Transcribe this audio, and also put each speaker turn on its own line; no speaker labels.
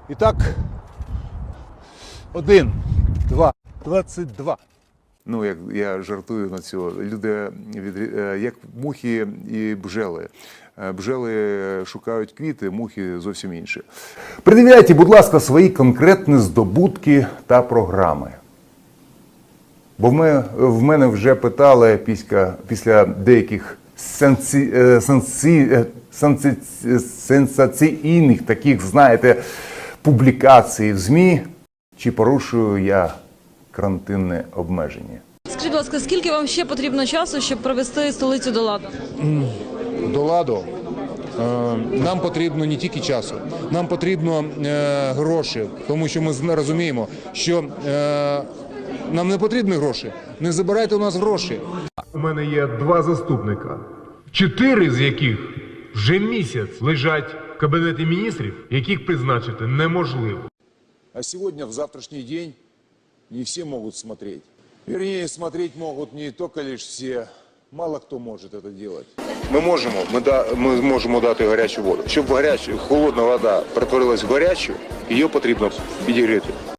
І так, 1, 2, 22.
Ну, як я жартую на цього, люди як мухи і бджели. Бджели шукають квіти, мухи зовсім інші. Придивляйте, будь ласка, свої конкретні здобутки та програми. Бо в мене вже питали після деяких сенсаційних таких, знаєте, публікацій в ЗМІ, чи порушую я карантинне обмеження.
Скажіть, будь ласка, скільки вам ще потрібно часу, щоб привести столицю до ладу?
До ладу нам потрібно не тільки часу, нам потрібно гроші, тому що ми розуміємо, що нам не потрібні гроші. Не забирайте у нас гроші.
У мене є 2 заступника, 4 з яких вже місяць лежать в Кабінеті міністрів, яких призначити неможливо.
А сегодня, в завтрашний день, не все могут смотреть. Вернее, смотреть могут не только лишь все, мало кто может это делать.
Ми можемо дати гарячу воду. Щоб холодна вода перетворилась в гарячу, її потрібно підігріти.